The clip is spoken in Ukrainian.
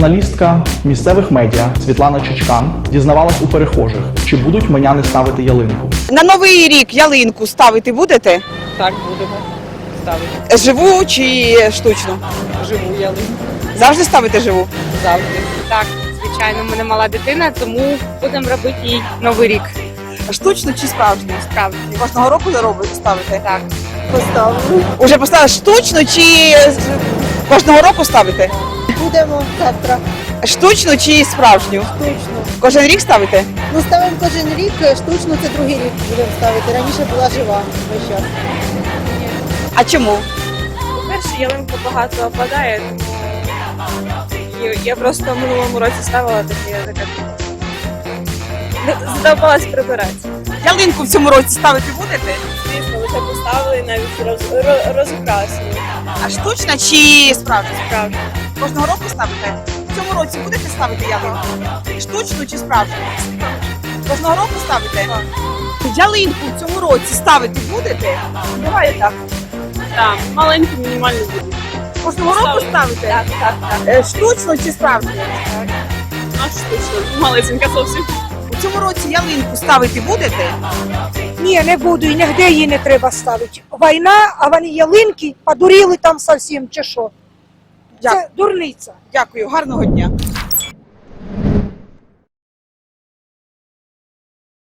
Журналістка місцевих медіа Світлана Чичкан дізнавалась у перехожих, чи будуть меняни ставити ялинку. На Новий рік ялинку ставити будете? Так, будемо ставити. Живу чи штучну? Живу ялинку. Завжди ставите живу? Завжди. Так, звичайно, в мене мала дитина, тому будемо робити їй Новий рік. Штучну чи справжню? Справді. Кожного року ставите? Так. Поставили. Уже поставили штучну чи кожного року ставите? Будемо завтра. Штучну чи справжню? Штучно. Кожен рік ставите? Ну, ставимо кожен рік, штучно це другий рік будемо ставити. Раніше була жива весь час. А чому? По-перше, ялинка багато опадає, тому я просто в минулому році ставила таке. Задовбалась прибирати. Ялинку в цьому році ставити будете? Звісно, лише поставили і навіть розукрасили. А штучна чи справжня? Справді. Кожного року ставите? В цьому році будете ставити ялинку? Штучну чи справжню? Кожного року ставите? Ялинку в цьому році ставити будете? Буває так. Так, маленький мінімальний буде. Кожного року ставите? Так. Штучну чи справжню? А штучно, малесенька зовсім. У цьому році ялинку ставити будете? Ні, не буду, і нігде її не треба ставити. Війна, а вони ялинки подуріли там зовсім, чи що? Це дурниця. Дякую, гарного дня.